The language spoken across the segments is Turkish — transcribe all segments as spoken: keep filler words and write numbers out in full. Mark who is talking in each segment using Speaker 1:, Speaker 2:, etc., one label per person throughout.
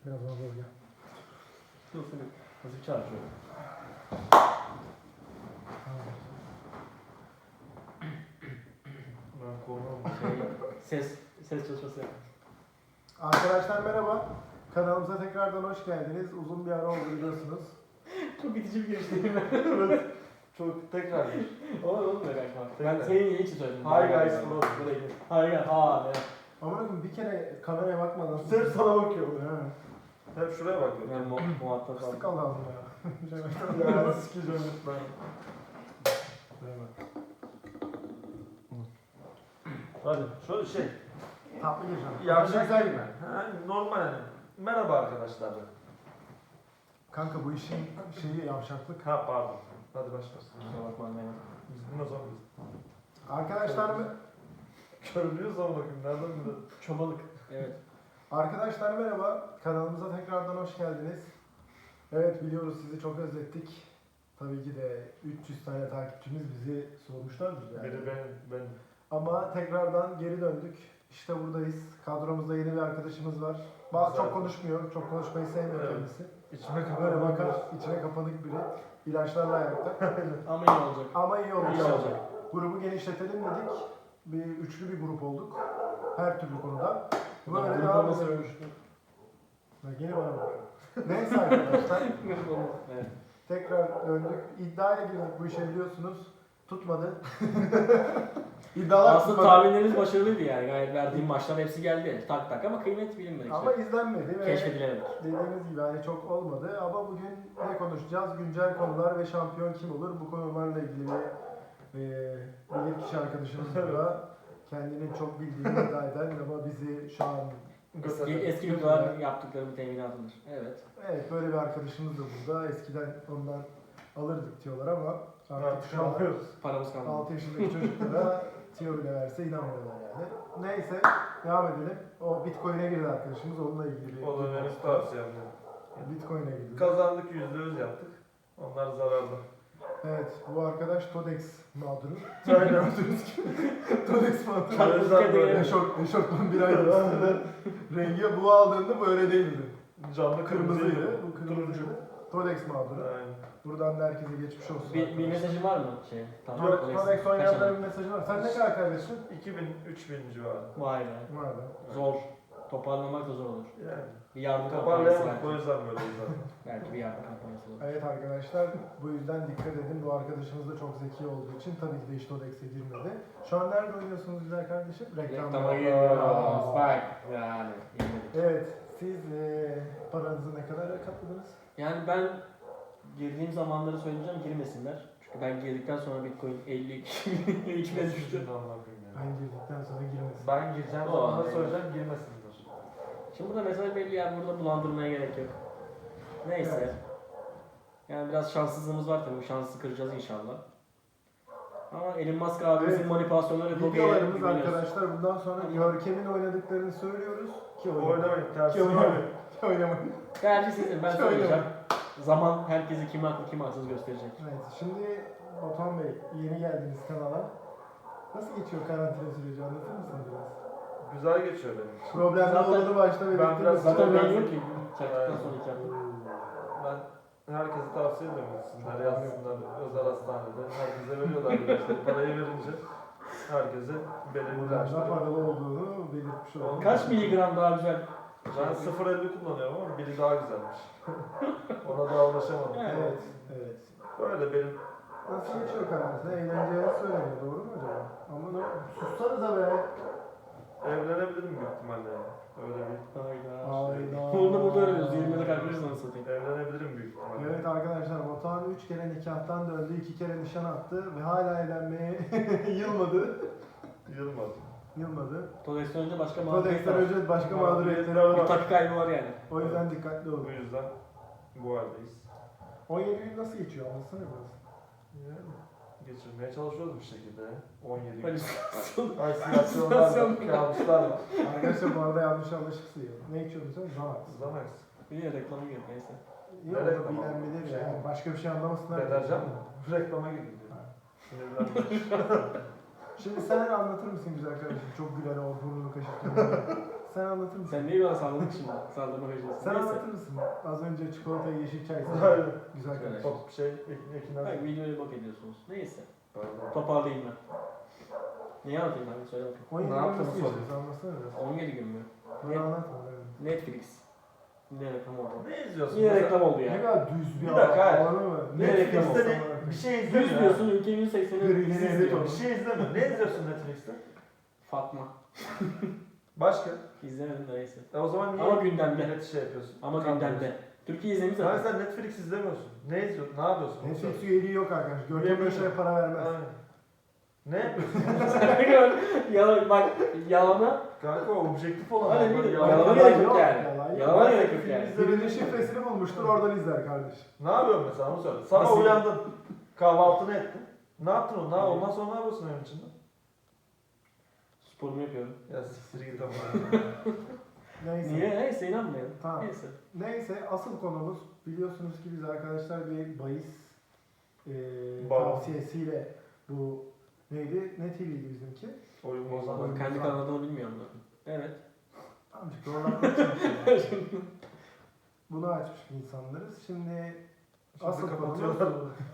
Speaker 1: Biraz daha zor gel.
Speaker 2: Dur seni hafif çarpıyorum.
Speaker 3: Ben korkmam.
Speaker 2: Şey, ses, ses çalışması yap.
Speaker 1: Arkadaşlar merhaba. Kanalımıza tekrardan hoş geldiniz. Uzun bir ara oldu biliyorsunuz.
Speaker 2: Çok itici bir giriş değil mi?
Speaker 3: Evet. Çok tekrar bir.
Speaker 2: Oğlum oğlum böyle kaçma. Ben
Speaker 3: Tekrar.
Speaker 2: senin yeni için söyledim.
Speaker 3: Hi guys, bro. Buraya gel.
Speaker 2: Hi guys. Aa ne?
Speaker 1: Ama bakın bir kere kameraya bakmadan.
Speaker 3: Hep sana bakıyor.
Speaker 1: Ha.
Speaker 3: Hep şuraya bakıyor.
Speaker 2: Ben mu muhatap
Speaker 1: Fıstık
Speaker 2: aldım.
Speaker 1: al lazım ya. Bir şey bakmadan.
Speaker 3: Ya sikeceğim lütfen. Hadi şöyle şey.
Speaker 1: Tatlı gireceğim.
Speaker 3: Yavşak
Speaker 1: Güzel
Speaker 3: gibi.
Speaker 1: gibi.
Speaker 3: Ha, normal hani. Merhaba arkadaşlar.
Speaker 1: Kanka bu işin şeyi yavşaklık.
Speaker 3: Ha pardon. Hadi başlasın.
Speaker 2: Kusura bakma anlayamadım.
Speaker 3: Biz bunu o zaman biz.
Speaker 1: Arkadaşlar mı?
Speaker 3: Körülüyoruz ama bakayım. Nereden biliyorsun?
Speaker 2: Çobalık. Evet.
Speaker 1: Arkadaşlar merhaba. Kanalımıza tekrardan hoş geldiniz. Evet biliyoruz sizi çok özlettik. Tabii ki de üç yüz tane takipçimiz bizi sormuşlardır yani.
Speaker 3: Biri ben, ben.
Speaker 1: Ama tekrardan geri döndük. İşte buradayız. Kadromuzda yeni bir arkadaşımız var. Bazı çok konuşmuyor, çok konuşmayı sevmiyor
Speaker 3: Evet.
Speaker 1: kendisi.
Speaker 3: İçime
Speaker 1: Böyle
Speaker 3: kapanık
Speaker 1: bakar,
Speaker 3: bir-
Speaker 1: içine kapanık biri. İlaçlarla ayakta.
Speaker 2: Ama iyi olacak.
Speaker 1: Ama iyi olacak.
Speaker 2: İyi olacak.
Speaker 1: Grubu genişletelim dedik. Bir üçlü bir grup olduk. Her türlü konuda. Böyle
Speaker 2: Ben
Speaker 1: devam
Speaker 2: nasıl
Speaker 1: edelim.
Speaker 2: ölmüştüm?
Speaker 1: Ya Gene bana bak. Neyse arkadaşlar.
Speaker 2: Evet.
Speaker 1: Tekrar döndük. İddiaya girdik bu işe biliyorsunuz. Tutmadı. İddialar
Speaker 2: Aslında
Speaker 1: tutmadı.
Speaker 2: tahminlerimiz başarılıydı yani. Gayet verdiğim maçlar hepsi geldi. Tak tak ama kıymet bilinmedi.
Speaker 1: Ama
Speaker 2: işte.
Speaker 1: izlenmedi ve
Speaker 2: Keşfedilemedik.
Speaker 1: dediğimiz gibi hani çok olmadı. Ama bugün ne konuşacağız? Güncel konular ve şampiyon kim olur? Bu konularla ilgili bir e, bilir kişi arkadaşımız burada. Kendinin çok bildiğini iddia eden ama bizi şu an
Speaker 2: Eski, eski videolar yaptıklarımı teminatıdır. Evet.
Speaker 1: evet böyle bir arkadaşımız da burada. Eskiden ondan alırdık diyorlar ama artık
Speaker 3: Artık
Speaker 1: şu an
Speaker 3: alıyoruz.
Speaker 2: Paramız kalmadı.
Speaker 1: altı yaşındaki çocuklara tiyo bile verse inanmıyorlar yani. Neyse devam edelim. O Bitcoin'e girdi arkadaşımız. Onunla ilgili bir
Speaker 3: O da benim tavsiyem.
Speaker 1: Bitcoin'e girdi.
Speaker 3: Kazandık, yüzde yüz yaptık. Onlar zararlı.
Speaker 1: Evet, bu arkadaş Todex mağduru.
Speaker 3: Aynen.
Speaker 1: Gördüğünüz gibi. Todex mağduru.
Speaker 2: Çok
Speaker 3: Yüzden böyle.
Speaker 1: Eşort, eşortman bir aydır üstünde. Rengi bu aldığında böyle değildi.
Speaker 3: Canlı
Speaker 1: Kırmızıydı.
Speaker 3: kırmızıydı.
Speaker 1: Bu kırmızıydı. Todex mağduru.
Speaker 3: Aynen.
Speaker 1: Buradan da herkese geçmiş olsun.
Speaker 2: Bir, bir mesajın var mı? Şey, tamam.
Speaker 1: Yok,
Speaker 2: Todex.
Speaker 1: Todex
Speaker 2: Kaç
Speaker 1: oynayanların
Speaker 2: tane?
Speaker 1: bir mesajı var. Sen ne kadar kaybettin?
Speaker 3: iki bin, üç bin civarı.
Speaker 2: Vay be.
Speaker 1: Var da.
Speaker 2: Zor. Toparlamak da zor olur.
Speaker 3: Yani.
Speaker 2: Bir yardım kampanyası
Speaker 3: Toparlayamadık o
Speaker 2: belki.
Speaker 3: yüzden böyleyiz zaten.
Speaker 2: Belki bir yardım kampanyası olur.
Speaker 1: Evet arkadaşlar, bu yüzden dikkat edin. Bu arkadaşımız da çok zeki olduğu için tabii ki de hiç Todex'e girmedi. Şu an nerede oynuyorsunuz güzel kardeşim?
Speaker 2: Reklama giriyoruz. Bak. Yani. yemedik.
Speaker 1: Evet, siz eee paranızı ne kadar katladınız?
Speaker 2: Yani ben girdiğim zamanları söyleyeceğim girmesinler. Çünkü ben girdikten sonra Bitcoin elli iki bin düştü.
Speaker 1: Ben girdikten sonra girmesin.
Speaker 3: Ben gireceğim,
Speaker 2: O,
Speaker 3: sonra
Speaker 2: evet.
Speaker 3: söyleyeceğim, girmesinler.
Speaker 2: Şimdi burada mesaj belli yani burada bulandırmaya gerek yok. Neyse.
Speaker 1: Evet.
Speaker 2: Yani biraz şanssızlığımız var tabii. Bu şansı kıracağız inşallah. Ama Elon Musk abimizin
Speaker 1: Evet.
Speaker 2: manipülasyonları çok iyi
Speaker 1: Videolarımız
Speaker 2: güveniyoruz.
Speaker 1: arkadaşlar bundan sonra Görkem'in oynadıklarını söylüyoruz. Ki oynamayın.
Speaker 3: Oynamayın,
Speaker 1: Ki
Speaker 3: tersine
Speaker 1: oynamayın.
Speaker 3: oynayın.
Speaker 1: Ki oynamayın.
Speaker 2: Tercih sizin. Ben
Speaker 1: Ki
Speaker 2: söyleyeceğim.
Speaker 1: oynamayın.
Speaker 2: Zaman herkesi kim haklı kim haksız gösterecek.
Speaker 1: Evet, şimdi Batuhan Bey yeni geldiniz kanala. Nasıl geçiyor karantina süreci anlatır mısınız biraz?
Speaker 3: Güzel geçiyor benim için.
Speaker 1: Problemler
Speaker 2: Zaten-
Speaker 1: olduğunu başta belirttiniz.
Speaker 3: biraz-
Speaker 2: Zaten
Speaker 3: ben-
Speaker 2: ben yok ki. Çaktıktan sonra iki hafta.
Speaker 3: Ben herkese tavsiye ediyorum gitsinler, yazsınlar özel hastanede. Herkese veriyorlar işte parayı verince. Herkese belirli
Speaker 1: Buradan da
Speaker 3: ilaçları.
Speaker 1: paralı olduğunu belirtmiş oldum.
Speaker 2: Kaç miligram daha güzel?
Speaker 3: Ben sıfır virgül elli kullanıyorum ama biri daha güzelmiş. Ona daha ulaşamadım.
Speaker 1: Evet, evet.
Speaker 3: Böyle benim
Speaker 1: Nasıl geçiyor karantina? Eğlenceli söyleniyor, doğru mu acaba? Ama ne? Sussanıza be!
Speaker 3: evlenebilirim büyük ihtimalle yani. Öyle bir
Speaker 2: Hayda.
Speaker 1: Hayda.
Speaker 2: Bunu da burada öğreniyoruz. yirmide kalkmışız nasıl satayım.
Speaker 3: evlenebilirim büyük ihtimalle.
Speaker 1: Evet arkadaşlar, Batuhan üç kere nikahtan döndü, iki kere nişan attı ve hala evlenmeye yılmadı.
Speaker 3: Yılmadı.
Speaker 1: Yılmadı.
Speaker 2: Todex'ten önce başka mağduriyet
Speaker 1: Todex'ten
Speaker 2: var.
Speaker 1: önce başka
Speaker 3: Mağduriyetler
Speaker 1: mağduriyetleri
Speaker 2: Bir
Speaker 1: var.
Speaker 2: takı kaybı var yani.
Speaker 1: O yüzden dikkatli olun.
Speaker 3: Bu yüzden bu haldeyiz.
Speaker 1: on yedi gün nasıl geçiyor? Anlatsana biraz.
Speaker 3: Yani geçirmeye çalışıyoruz bir şekilde. on yedi gün.
Speaker 2: Halüsinasyon.
Speaker 3: Halüsinasyonlar
Speaker 2: Halüsinasyon.
Speaker 3: var, kabuslar var.
Speaker 1: Arkadaşlar bu arada yanlış anlaşılsın. Ne içiyordun sen? Zanax.
Speaker 3: Zanax.
Speaker 2: Bir de reklamı gibi neyse.
Speaker 1: Yok,
Speaker 3: Ne reklamı?
Speaker 1: bilen bilir ya. Yani başka bir şey anlamasınlar.
Speaker 3: Deterjan mı? Reklama girdi.
Speaker 1: Ha.
Speaker 3: Sinirlendim.
Speaker 1: Şimdi sen anlatır mısın güzel kardeşim? Çok gülen o burnunu kaşırtıyor. sen anlatır mısın?
Speaker 2: Sen neyi bana salladın şimdi? Sallama hocası.
Speaker 1: Sen
Speaker 2: Neyse.
Speaker 1: anlatır mısın? Az önce çikolata yeşil çay sen.
Speaker 3: Aynen.
Speaker 1: Güzel
Speaker 2: Şöyle.
Speaker 1: kardeşim.
Speaker 3: Top şey, Ekin Ekin
Speaker 2: Bak videoyu bak ediyorsunuz. Neyse.
Speaker 3: Pardon.
Speaker 2: Toparlayayım ben. Neyi anlatayım ben? Söyle bakayım.
Speaker 1: on yedi
Speaker 3: Ne
Speaker 1: gün
Speaker 3: yaptın
Speaker 1: nasıl
Speaker 3: sonra?
Speaker 1: yaşıyorsun? Anlatsana biraz.
Speaker 2: on yedi gün mü?
Speaker 1: Bana anlatma. evet.
Speaker 2: Netflix. Ne reklam oldu?
Speaker 3: Ne izliyorsun?
Speaker 2: Yine
Speaker 3: Mesela-
Speaker 2: reklam oldu
Speaker 1: Ne
Speaker 2: ya.
Speaker 1: kadar düz bir
Speaker 3: Bir dakika, hayır.
Speaker 1: alanı mı?
Speaker 2: Ne reklam
Speaker 3: Netflix'te
Speaker 1: olsa
Speaker 3: ne-
Speaker 1: bana-
Speaker 3: bir şey
Speaker 2: Yüz
Speaker 3: izlemiyor.
Speaker 2: diyorsun, ülke yüz sekseni
Speaker 1: Yürü,
Speaker 2: dizi
Speaker 1: yürü,
Speaker 2: izliyor.
Speaker 1: yürü.
Speaker 3: Bir şey izlemiyor. Ne izliyorsun Netflix'te?
Speaker 2: Fatma.
Speaker 3: Başka?
Speaker 2: İzlemedim de neyse.
Speaker 3: E o zaman niye
Speaker 2: Ama gündemde.
Speaker 3: millet şey yapıyorsun?
Speaker 2: Ama
Speaker 3: Kandırıyorsun?
Speaker 2: gündemde. Türkiye izlemiş
Speaker 3: Yani
Speaker 2: zaten.
Speaker 3: sen Netflix izlemiyorsun. Ne izliyorsun? Ne yapıyorsun? Onu
Speaker 1: Netflix
Speaker 3: söyle.
Speaker 1: üyeliği yok arkadaş. Görkem
Speaker 3: Üyeliği
Speaker 1: Öşer'e
Speaker 3: yok.
Speaker 1: para vermez.
Speaker 3: Aynen. Ne yapıyorsun?
Speaker 2: Yalan, bak yalana,
Speaker 3: Kanka objektif olan.
Speaker 2: Hadi
Speaker 3: adamlar
Speaker 2: bir-
Speaker 3: yalan-
Speaker 2: Yalana
Speaker 1: Yalan
Speaker 2: gerek yok
Speaker 1: yok,
Speaker 2: yani.
Speaker 1: yalan yok.
Speaker 2: Yalana
Speaker 3: Ben
Speaker 2: gerek yok
Speaker 3: film
Speaker 2: yani.
Speaker 3: izlemedim.
Speaker 1: Birinin şifresini bulmuştur oradan izler kardeş.
Speaker 3: Ne yapıyorsun mesela onu söyle. Sabah
Speaker 2: Nasıl?
Speaker 3: uyandın. Kahvaltını ettin. Ne yaptın onu? Ne, ondan sonra ne yapıyorsun evin içinde?
Speaker 2: Sporumu yapıyorum.
Speaker 3: Ya siktir git ama.
Speaker 1: Neyse.
Speaker 2: Niye? Neyse inanmayalım.
Speaker 1: Tamam.
Speaker 2: Neyse.
Speaker 1: Neyse asıl konumuz biliyorsunuz ki biz arkadaşlar bir bahis e,
Speaker 3: Bağlı.
Speaker 1: tavsiyesiyle bu neydi? Ne T V'ydi bizimki?
Speaker 3: Oyun
Speaker 1: Oyun
Speaker 3: bozan.
Speaker 2: Ama kendi
Speaker 1: bozan.
Speaker 2: kanalımı bilmiyorum ben. Evet.
Speaker 1: Amcık doğrulatmak için. Bunu açmış bir insanlarız. Şimdi
Speaker 3: Şimdi
Speaker 1: asıl
Speaker 3: kapatıyorlar.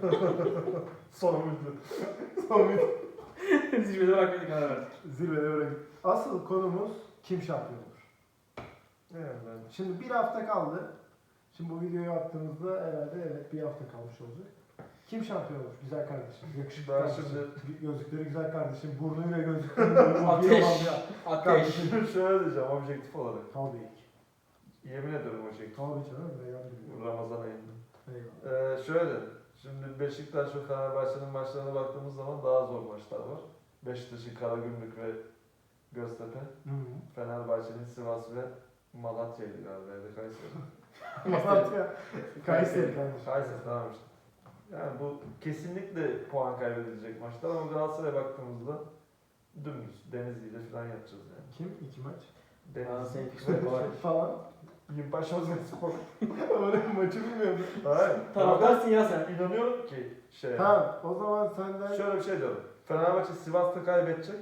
Speaker 3: Son video.
Speaker 1: son bir
Speaker 2: Zirvede bırakmayı karar verdik.
Speaker 1: zirvede bırakın. Asıl konumuz kim şampiyon olur?
Speaker 3: Evet ben.
Speaker 1: Şimdi bir hafta kaldı. Şimdi bu videoyu attığımızda herhalde evet bir hafta kalmış olacak. Kim şampiyon olur? Güzel kardeşim. Yakışıklı
Speaker 3: Ben
Speaker 1: kardeşim.
Speaker 3: şimdi-
Speaker 1: Gözlükleri güzel kardeşim. Burnuyla gözlükleri böyle
Speaker 2: Ateş.
Speaker 1: bir olan bir
Speaker 2: Ateş.
Speaker 3: Şimdi şöyle diyeceğim objektif olarak.
Speaker 1: Tabii ki.
Speaker 3: Yemin ederim objektif.
Speaker 1: Tabii canım. Reyhan biliyor.
Speaker 3: Ramazan ayında.
Speaker 1: Eyvallah.
Speaker 3: Ee, şöyle. Şimdi Beşiktaş ve Fenerbahçe'nin maçlarına baktığımız zaman daha zor maçlar var. Beşiktaş'ın Karagümrük ve Göztepe.
Speaker 1: Hı hı.
Speaker 3: Fenerbahçe'nin Sivas ve Malatya'ydı galiba ya da Kayseri.
Speaker 1: Malatya. Kayseri kardeşim.
Speaker 3: Kayseri tamam işte. Yani bu kesinlikle puan kaybedilecek maçlar ama Galatasaray'a baktığımızda dümdüz Denizli ile falan yapacağız yani.
Speaker 1: Kim? İki maç.
Speaker 2: Aa,
Speaker 3: Denizli.
Speaker 2: senin fikrin kolay.
Speaker 1: Falan.
Speaker 3: Yimpaş Ozgenspor.
Speaker 1: Öyle maçı bilmiyordum.
Speaker 3: Hayır.
Speaker 2: Taraftarsın ya sen.
Speaker 3: İnanıyorum ki şey.
Speaker 1: Tamam. O zaman senden
Speaker 3: Şöyle bir şey diyorum. Fenerbahçe Sivas'ta kaybedecek.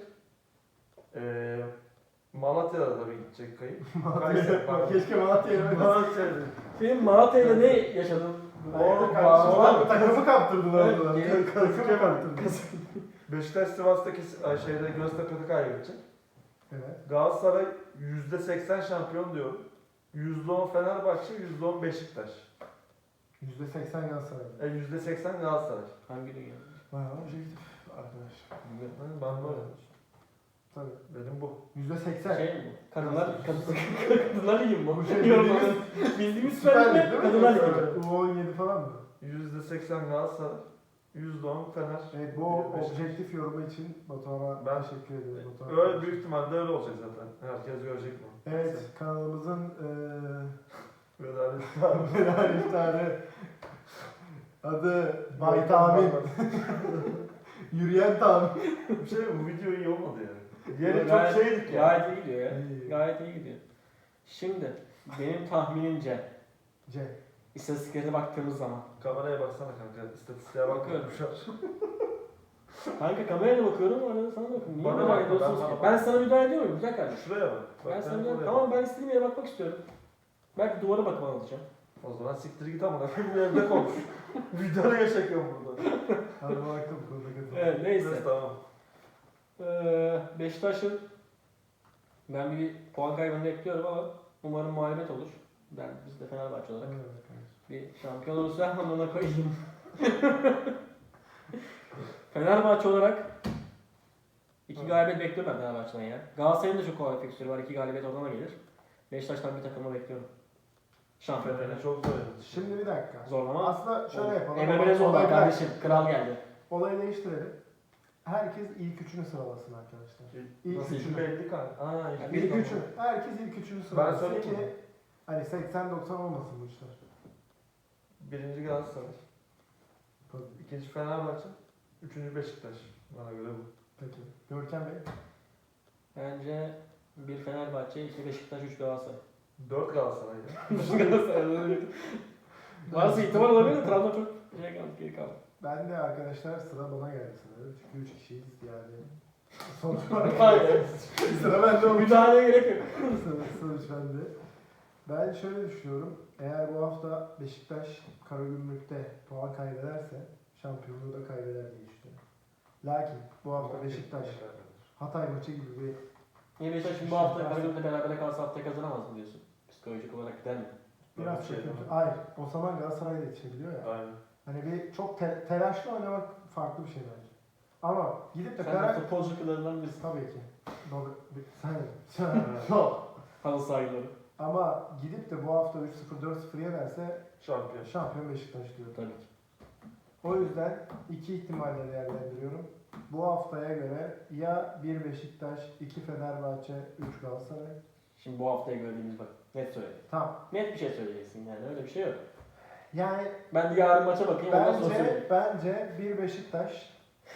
Speaker 3: Ee, Malatya'da da bir gidecek kayıp. Kayseri pardon.
Speaker 1: Keşke Malatya'ya vermesin.
Speaker 3: Malatya'da.
Speaker 2: Senin Malatya'yla ne yaşadın?
Speaker 3: Orada
Speaker 1: kardeşim
Speaker 3: bağlı-
Speaker 1: takımı- takımı kaptırdılar
Speaker 2: Evet,
Speaker 1: orada.
Speaker 2: geri-
Speaker 1: Takımı kaptırdılar.
Speaker 3: Beşiktaş Sivas'taki ay, şeyde Göztepe'de kaybedecek.
Speaker 1: Evet.
Speaker 3: Galatasaray yüzde seksen şampiyon diyor. yüzde on Fenerbahçe, yüzde on Beşiktaş.
Speaker 1: yüzde seksen Galatasaray.
Speaker 3: E yüzde seksen Galatasaray.
Speaker 2: Hangi dünya?
Speaker 1: Bayağı objektif arkadaş.
Speaker 3: Ben, ben böyle.
Speaker 1: Tabii.
Speaker 3: Benim bu.
Speaker 1: yüzde seksen.
Speaker 2: Şey mi bu? Kadınlar, kadın, kadınlar ligi mi bu?
Speaker 1: Bu şey
Speaker 2: Yorumladı.
Speaker 1: bildiğimiz-
Speaker 2: Bildiğimiz
Speaker 1: Süper
Speaker 2: Süper
Speaker 1: Lig
Speaker 2: Lig
Speaker 1: değil
Speaker 2: mi?
Speaker 1: mi?
Speaker 2: Kadınlar ligi.
Speaker 1: Evet. U on yedi falan mı?
Speaker 3: yüzde seksen Galatasaray, yüzde on Fener.
Speaker 1: Evet bu
Speaker 3: Beşiktaş.
Speaker 1: objektif yorumu için Batuhan'a
Speaker 3: Ben-
Speaker 1: teşekkür ederim. Batuhan.
Speaker 3: Öyle büyük ihtimalle öyle olacak zaten. Herkes görecek bunu.
Speaker 1: Evet kanalımızın eee
Speaker 3: Vedalet.
Speaker 1: Meral iftarı adı Bay Tahmin. Yürüyen Tahmin.
Speaker 3: Bir şey mi? Bu video iyi olmadı yani. Yeri çok
Speaker 2: Gayet-
Speaker 3: şeydik ya.
Speaker 2: Gayet iyi gidiyor ya.
Speaker 1: İyi.
Speaker 2: Gayet iyi gidiyor. Şimdi benim tahminimce
Speaker 1: C.
Speaker 2: istatistiklere baktığımız zaman.
Speaker 3: Kameraya baksana kanka. İstatistiğe bak.
Speaker 2: Bakıyorum.
Speaker 3: Bakıyorum.
Speaker 2: Kanka kameraya bakıyorum arada sana bakıyorum. Niye
Speaker 3: Bana
Speaker 2: müdahale
Speaker 3: bakma,
Speaker 2: ediyorsunuz
Speaker 3: ben
Speaker 2: ki?
Speaker 3: bana
Speaker 2: Ben sana müdahale ediyor muyum? Güzel kardeşim.
Speaker 3: Şuraya bak. Bak
Speaker 2: Ben sana
Speaker 3: ben
Speaker 2: müdahale...
Speaker 3: oraya
Speaker 2: Tamam ben istediğim yere bakmak istiyorum. Belki duvara bakıp alacağım.
Speaker 3: bak. O zaman siktir git amına koyayım bir evde konuş. Videoya çekiyorum burada.
Speaker 1: Hadi baktım bu konuda katıldım.
Speaker 2: Evet neyse.
Speaker 3: Neyse tamam.
Speaker 2: Ee, Beşiktaş'ın ben bir puan kaybını bekliyorum ama umarım mağlubiyet olur. Ben biz de Fenerbahçe olarak
Speaker 1: Evet, kardeşim.
Speaker 2: bir şampiyon olursa ona koyayım. Fenerbahçe olarak iki galibiyet bekliyorum ben Fenerbahçe'den ya. Galatasaray'ın da çok kolay fikstürü var. iki galibiyet oradan da gelir. Beşiktaş'tan bir takımı bekliyorum. Şampiyon
Speaker 3: Beni
Speaker 2: Fener.
Speaker 3: çok zor edin.
Speaker 1: Şimdi bir dakika.
Speaker 2: Zorlama.
Speaker 1: Aslında şöyle yapalım.
Speaker 2: Emre Belezoğlu
Speaker 1: Olay-
Speaker 2: kardeşim. Kral geldi.
Speaker 1: Olayı değiştirelim. Herkes ilk üçünü sıralasın arkadaşlar. İlk
Speaker 3: Nasıl
Speaker 1: üçünü.
Speaker 3: belli kanka. Aa, ilk
Speaker 2: Bir
Speaker 1: İlk
Speaker 3: tamam.
Speaker 1: üçünü. Herkes ilk üçünü
Speaker 3: Ben
Speaker 1: sıralasın
Speaker 3: söyleyeyim
Speaker 1: ki
Speaker 3: mi?
Speaker 1: hani seksen doksan olmasın bu işler.
Speaker 3: Birinci Galatasaray.
Speaker 1: Tabii.
Speaker 3: İkinci Fenerbahçe. Üçüncü Beşiktaş. Bana göre bu.
Speaker 1: Peki. Görkem Bey.
Speaker 2: Bence bir Fenerbahçe, iki Beşiktaş, üç Galatasaray.
Speaker 3: Dört Galatasaray ya.
Speaker 2: Galatasaray. Varsa ihtimal olabilir de Trabzon çok şey kaldı, geri kaldı.
Speaker 1: Ben de arkadaşlar sıra bana geldi sanırım. Çünkü üç kişiyiz yani. Sonuç olarak
Speaker 2: Aynen.
Speaker 1: sıra bende olmuş.
Speaker 2: Müdahaleye gerek yok.
Speaker 1: Sonuç- Sonuç bende. Ben şöyle düşünüyorum. Eğer bu hafta Beşiktaş Karagümrük'te puan kaybederse şampiyonluğu da kaybeder diye düşünüyorum. Lakin bu hafta Beşiktaş Hatay maçı gibi bir
Speaker 2: Niye Beşiktaş şimdi bu hafta Karagümrük'le beraber kalsa haftaya kazanamaz mı diyorsun? Psikolojik olarak gider mi?
Speaker 1: biraz
Speaker 3: Bir şey
Speaker 1: kötü.
Speaker 3: değil mi?
Speaker 1: Hayır. O zaman Galatasaray'da yetişebiliyor ya.
Speaker 3: Aynen.
Speaker 1: Hani bir çok te- telaşlı oynamak farklı bir şey bence. Ama gidip de
Speaker 2: Sen de
Speaker 1: Karag...
Speaker 2: futbolcu kıllarından birisin.
Speaker 1: Tabii ki. Doğru. Sen, sen, yok.
Speaker 2: Halı sahileri.
Speaker 1: Ama gidip de bu hafta üç sıfır dört sıfır yenerse
Speaker 3: Şampiyon.
Speaker 1: şampiyon Beşiktaş diyorum.
Speaker 2: Tabii ki.
Speaker 1: O yüzden iki ihtimalle değerlendiriyorum. Bu haftaya göre ya bir Beşiktaş, iki Fenerbahçe, üç Galatasaray.
Speaker 2: Şimdi bu haftaya gördüğümüz bak. Net söyle.
Speaker 1: Tamam.
Speaker 2: Net bir şey söyleyeceksin yani öyle bir şey yok.
Speaker 1: Yani
Speaker 2: Ben de yarın maça bakayım ondan sonra
Speaker 1: bence
Speaker 2: söyleyeyim.
Speaker 1: bence bir Beşiktaş,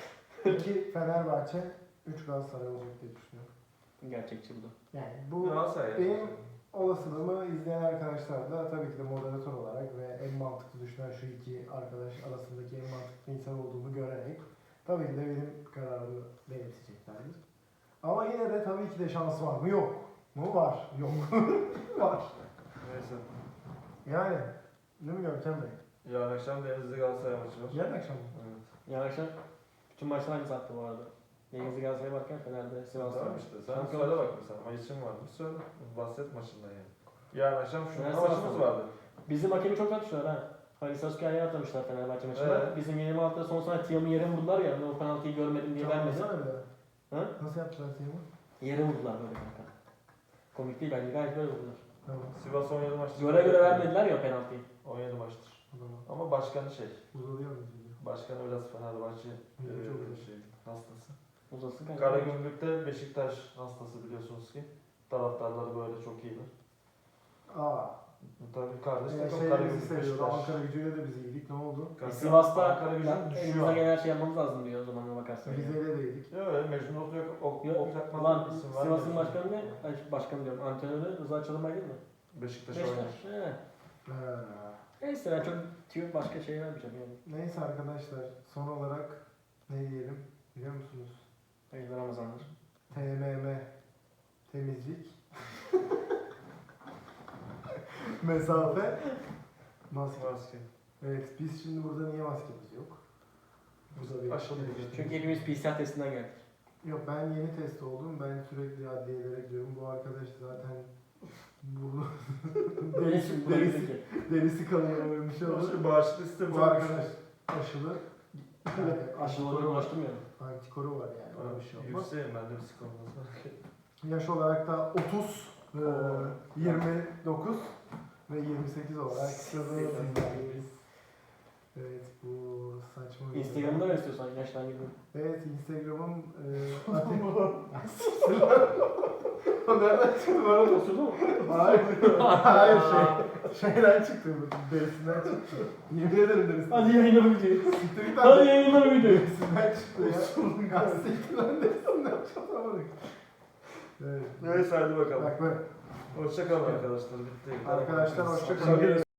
Speaker 1: iki Fenerbahçe, üç Galatasaray olacak diye düşünüyorum.
Speaker 2: Gerçekçi bu da.
Speaker 1: Yani bu
Speaker 3: Galatasaray.
Speaker 1: benim olasılığımı izleyen arkadaşlar da tabii ki de moderatör olarak ve en mantıklı düşünen şu iki arkadaş arasındaki en mantıklı insan olduğumu görerek tabii ki de benim kararımı benimseyeceklerdir. Ama yine de tabii ki de şans var mı? Yok. Mu? Var. Yok. Var.
Speaker 3: Neyse.
Speaker 1: Yani. Değil mi Görkem Bey?
Speaker 3: Yarın akşam Denizli Galatasaray maçı var.
Speaker 1: Yarın akşam mı?
Speaker 3: Evet.
Speaker 2: Yarın akşam bütün maçlar aynı saatte bu arada. Denizli Galatasaray'a varken Fener'de Sivas'ta.
Speaker 3: Tamam işte. Sen
Speaker 2: Şampiyon-
Speaker 3: söyle bak mesela. Maçın var mı? Söyle. Bahset maçından yani. Yarın akşam şu
Speaker 2: Fener
Speaker 3: maçımız
Speaker 2: Sivas'ta.
Speaker 3: vardı.
Speaker 2: Bizim hakemi çok atmışlar ha. Halis Sasuke'ye atlamışlar Fenerbahçe maçında.
Speaker 3: Evet.
Speaker 2: Bizim yirmi altıda son saniye Tiam'ı yere vurdular ya. Ben o penaltıyı görmedim diye vermedi.
Speaker 1: Anlatsana bir daha.
Speaker 2: Ha?
Speaker 1: Nasıl yaptılar Teymur?
Speaker 2: Yere vurdular böyle kanka. Komik değil bence gayet böyle vurdular.
Speaker 1: Tamam.
Speaker 3: Sivas on yedi maçtır.
Speaker 2: Göre göre vermediler ya o penaltıyı.
Speaker 3: on yedi maçtır.
Speaker 1: O zaman
Speaker 3: Ama başkanı şey.
Speaker 1: uzalıyor muyuz? diyor.
Speaker 3: Başkanı biraz Fenerbahçe
Speaker 1: Hı,
Speaker 3: e,
Speaker 1: çok iyi.
Speaker 3: şey, hastası.
Speaker 2: Uzasın kanka.
Speaker 3: Karagümrük'te Beşiktaş hastası biliyorsunuz ki. Taraftarları böyle çok iyiler.
Speaker 1: Aa.
Speaker 3: Tabii kardeş
Speaker 1: Ee,
Speaker 3: takım
Speaker 1: şey bizi
Speaker 3: Karagümrük
Speaker 1: seviyordu.
Speaker 3: Beşiktaş.
Speaker 1: Ankara gücüyle de biz iyiydik. Ne oldu?
Speaker 2: E,
Speaker 3: Kanka,
Speaker 2: Sivas'ta
Speaker 3: Ankara gücü
Speaker 2: ya,
Speaker 3: düşüyor.
Speaker 2: elimizden gelen her şeyi yapmamız lazım diyor o zaman bakarsın. yani.
Speaker 1: Rize'yle de iyiydik.
Speaker 3: Yok öyle Mecnun Ok yok. Ok,
Speaker 2: Yok,
Speaker 3: ok Yakmaz
Speaker 2: Ulan
Speaker 3: isim
Speaker 2: Sivas'ın
Speaker 3: vermiyorsun.
Speaker 2: başkanı ne? Ay, başkanı diyorum. Antrenörü Rıza Çalınbay değil mi?
Speaker 3: Beşiktaş oynar.
Speaker 2: Beşiktaş. He.
Speaker 1: Ha.
Speaker 2: Neyse ben çok tüyo başka şey vermeyeceğim yani.
Speaker 1: Neyse arkadaşlar. Son olarak ne diyelim biliyor musunuz?
Speaker 2: Hayırlı Ramazanlar.
Speaker 1: T M M. Temizlik. Mesafe. Maske.
Speaker 3: Maske.
Speaker 1: Evet biz şimdi burada niye maskemiz yok? Bu da bir
Speaker 3: Aşılı
Speaker 1: bir-
Speaker 3: değil.
Speaker 2: Çünkü hepimiz P C R testinden geldik.
Speaker 1: Yok ben yeni test oldum. Ben sürekli adliyelere gidiyorum. Bu arkadaş zaten burnu derisi,
Speaker 2: Bu da
Speaker 1: derisi,
Speaker 2: bizimki.
Speaker 1: derisi kanıyor öyle bir şey olur.
Speaker 3: Şu bağışlı sistem
Speaker 1: Bu arkadaş aşılı. Yani
Speaker 2: Aşıları
Speaker 1: antikoru var.
Speaker 2: ulaştırmıyorum.
Speaker 1: Antikoru var yani. Öyle bir şey olmaz.
Speaker 3: Yükseğim ben de psikolojisi.
Speaker 1: Yaş olarak da otuz, e, yirmi dokuz ve yirmi sekiz olarak sizlerleyiz. Evet bu saçma bir
Speaker 2: Instagram'da ver istiyorsan yaştan gibi.
Speaker 1: Evet Instagram'ım e, O nereden çıktı bana da?
Speaker 2: Osurdu mu?
Speaker 1: Hayır. Hayır şey. Şeyden çıktı bu. Derisinden çıktı. Yemin ederim derisinden.
Speaker 2: Hadi yayınla bu videoyu.
Speaker 1: Siktir git
Speaker 2: Hadi
Speaker 1: lan.
Speaker 2: yayınla bu videoyu.
Speaker 1: Derisinden çıktı ya. Ya siktir lan derisinden çatamadık. Evet.
Speaker 3: Neyse hadi bakalım.
Speaker 1: Bak bak.
Speaker 3: Hoşçakalın arkadaşlar. Bitti.
Speaker 1: Arkadaşlar hoşça kalın.
Speaker 3: Akşam